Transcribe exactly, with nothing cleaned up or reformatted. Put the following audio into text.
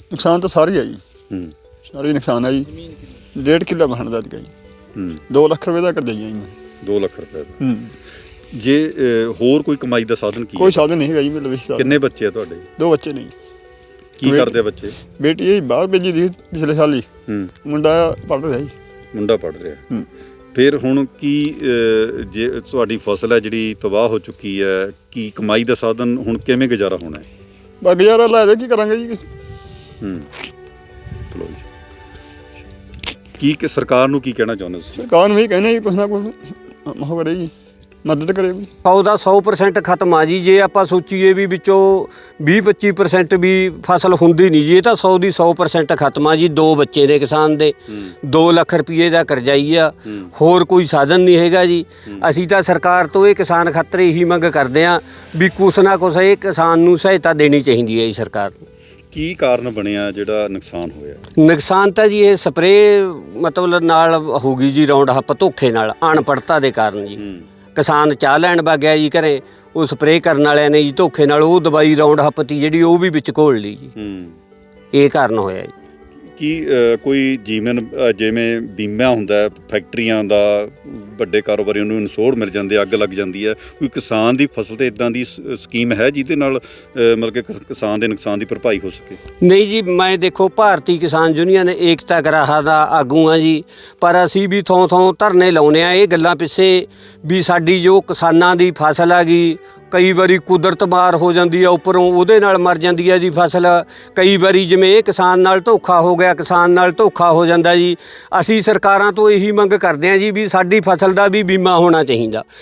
ਨੁਕਸਾਨ ਤਾਂ ਸਾਰੀ ਆ ਜੀ, ਹੂੰ ਸਾਰੀ ਨੁਕਸਾਨ ਆ ਜੀ। ਡੇਢ ਕਿੱਲਾ ਬਣ ਦਾ ਜੀ, ਹੂੰ ਦੋ ਲੱਖ ਰੁਪਏ ਦਾ ਕਰ ਜਾਈ ਜੀ। ਦੋ ਲੱਖ ਰੁਪਏ ਦਾ। ਹੂੰ ਜੇ ਅ, ਹੋਰ ਕੋਈ ਕਮਾਈ ਦਾ ਸਾਧਨ ਕੀ ਕੋਈ ਹੈ? ਸਾਧਨ ਨਹੀਂ ਹੈਗਾ ਜੀ ਮੇਰੇ ਵਿੱਚ। ਕਿੰਨੇ ਬੱਚੇ ਆ ਤੁਹਾਡੇ? ਦੋ ਬੱਚੇ ਨੇ ਜੀ। ਕੀ ਬੇ- ਕਰਦੇ ਆ ਬੱਚੇ? ਬੇਟੀ ਇਹ ਬਾਹਰ ਭੇਜੀ ਦੀ ਪਿਛਲੇ ਸਾਲ ਹੀ, ਹੂੰ ਮੁੰਡਾ ਪੜ੍ਹ ਰਿਹਾ ਜੀ। ਮੁੰਡਾ ਪੜ੍ਹ ਰਿਹਾ। ਹੂੰ ਫਿਰ ਹੁਣ ਕੀ ਅ, ਜੇ ਤੁਹਾਡੀ ਫਸਲ ਹੈ ਜਿਹੜੀ ਤਬਾਹ ਹੋ ਚੁੱਕੀ ਹੈ, ਕੀ ਕਮਾਈ ਦਾ ਸਾਧਨ ਹੁਣ ਕਿਵੇਂ ਗੁਜ਼ਾਰਾ ਹੋਣਾ ਹੈ? ਬਾ ਗੁਜ਼ਾਰਾ ਲੈ ਦੇ ਕੀ ਕਰਾਂਗੇ ਜੀ। ਹੂੰ ਚਲੋ ਜੀ, ਕੀ ਕਿ ਸਰਕਾਰ ਨੂੰ ਕੀ ਕਹਿਣਾ ਚਾਹੁੰਦੇ ਤੁਸੀਂ? ਸਰਕਾਰ ਨੂੰ ਇਹ ਕਹਿੰਦੇ ਜੀ ਕੁਛ ਨਾ ਕੁਛ ਉਹ ਕਰੇ ਜੀ, ਮਦਦ ਕਰੇ ਵੀ। ਸੌ ਦਾ ਸੌ ਪਰਸੈਂਟ ਖਤਮ ਆ ਜੀ। ਜੇ ਆਪਾਂ ਸੋਚੀਏ ਵੀ ਵਿੱਚੋਂ ਵੀਹ ਪੱਚੀ ਪਰਸੈਂਟ ਵੀ ਫਸਲ ਹੁੰਦੀ ਨਹੀਂ ਜੀ, ਇਹ ਤਾਂ ਸੌ ਦੀ ਸੌ ਪਰਸੈਂਟ ਖਤਮ ਆ ਜੀ। ਦੋ ਬੱਚੇ ਨੇ ਕਿਸਾਨ ਦੇ, ਦੋ ਲੱਖ ਰੁਪਏ ਦਾ ਕਰਜ਼ਾਈ ਆ, ਹੋਰ ਕੋਈ ਸਾਧਨ ਨਹੀਂ ਹੈਗਾ ਜੀ। ਅਸੀਂ ਤਾਂ ਸਰਕਾਰ ਤੋਂ ਇਹ ਕਿਸਾਨ ਖਾਤਰ ਇਹੀ ਮੰਗ ਕਰਦੇ ਹਾਂ ਵੀ ਕੁਛ ਨਾ ਕੁਛ ਇਹ ਕਿਸਾਨ ਨੂੰ ਸਹਾਇਤਾ ਦੇਣੀ ਚਾਹੀਦੀ ਹੈ ਜੀ ਸਰਕਾਰ ਨੂੰ। ਕੀ ਕਾਰਨ ਬਣਿਆ ਜਿਹੜਾ ਨੁਕਸਾਨ ਹੋਇਆ? ਨੁਕਸਾਨ ਤਾਂ ਜੀ ਇਹ ਸਪਰੇਅ ਮਤਲਬ ਨਾਲ ਹੋ ਗਈ ਜੀ, ਰਾਉਂਡ ਹੱਪ ਧੋਖੇ ਨਾਲ, ਅਣਪੜਤਾ ਦੇ ਕਾਰਨ ਜੀ। ਹੂੰ ਕਿਸਾਨ ਚਾਹ ਲੈਣ ਵਗ ਗਿਆ ਜੀ ਘਰੇ, ਉਹ ਸਪਰੇਅ ਕਰਨ ਵਾਲਿਆਂ ਨੇ ਜੀ ਧੋਖੇ ਨਾਲ ਉਹ ਦਵਾਈ ਰਾਉਂਡ ਹੱਪ ਤੀ ਜਿਹੜੀ ਉਹ ਵੀ ਵਿੱਚ ਘੋਲ ਲਈ ਜੀ। ਹੂੰ ਇਹ ਕਾਰਨ ਹੋਇਆ ਜੀ। ਕੀ ਅ, ਕੋਈ ਜੀਵਨ ਅ, ਜਿਵੇਂ ਬੀਮਾ ਹੁੰਦਾ ਹੈ, ਫੈਕਟਰੀਆਂ ਦਾ, ਵੱਡੇ ਕਾਰੋਬਾਰੀਆਂ ਨੂੰ ਇਨਸ਼ੋਰ ਮਿਲ ਜਾਂਦੇ, ਅੱਗ ਲੱਗ ਜਾਂਦੀ ਹੈ, ਕੋਈ ਕਿਸਾਨ ਦੀ ਫਸਲ ਤੇ ਇਦਾਂ ਦੀ ਸ- ਸਕੀਮ ਹੈ ਜਿਹਦੇ ਨਾਲ ਅ, ਮਤਲਬ ਕਿ ਕਿਸ- ਕਿਸਾਨ ਦੇ ਨੁਕਸਾਨ ਦੀ ਭਰਪਾਈ ਹੋ ਸਕੇ? ਨਹੀਂ ਜੀ, ਮੈਂ ਦੇਖੋ ਭਾਰਤੀ ਕਿਸਾਨ ਯੂਨੀਅਨ ਏਕਤਾ ਗਰਾਹਾ ਦਾ ਆਗੂ ਹਾਂ ਜੀ, ਪਰ ਅਸੀਂ ਵੀ ਥੋਂ ਥੋਂ ਧਰਨੇ ਲਾਉਂਦੇ ਹਾਂ ਇਹ ਗੱਲਾਂ ਪਿੱਛੇ ਵੀ ਸਾਡੀ ਜੋ ਕਿਸਾਨਾਂ ਦੀ ਫਸਲ ਆ ਗਈ, ਕਈ ਵਾਰੀ ਕੁਦਰਤ ਮਾਰ ਹੋ ਜਾਂਦੀ ਆ ਉੱਪਰੋਂ, ਉਹਦੇ ਨਾਲ ਮਰ ਜਾਂਦੀ ਹੈ ਜੀ ਫਸਲ। ਕਈ ਵਾਰੀ ਜਿਵੇਂ ਇਹ ਕਿਸਾਨ ਨਾਲ ਧੋਖਾ ਹੋ ਗਿਆ, ਕਿਸਾਨ ਨਾਲ ਧੋਖਾ ਹੋ ਜਾਂਦਾ ਜੀ। ਅਸੀਂ ਸਰਕਾਰਾਂ ਤੋਂ ਇਹੀ ਮੰਗ ਕਰਦੇ ਹਾਂ ਜੀ ਵੀ ਸਾਡੀ ਫਸਲ ਦਾ ਵੀ ਬੀਮਾ ਹੋਣਾ ਚਾਹੀਦਾ।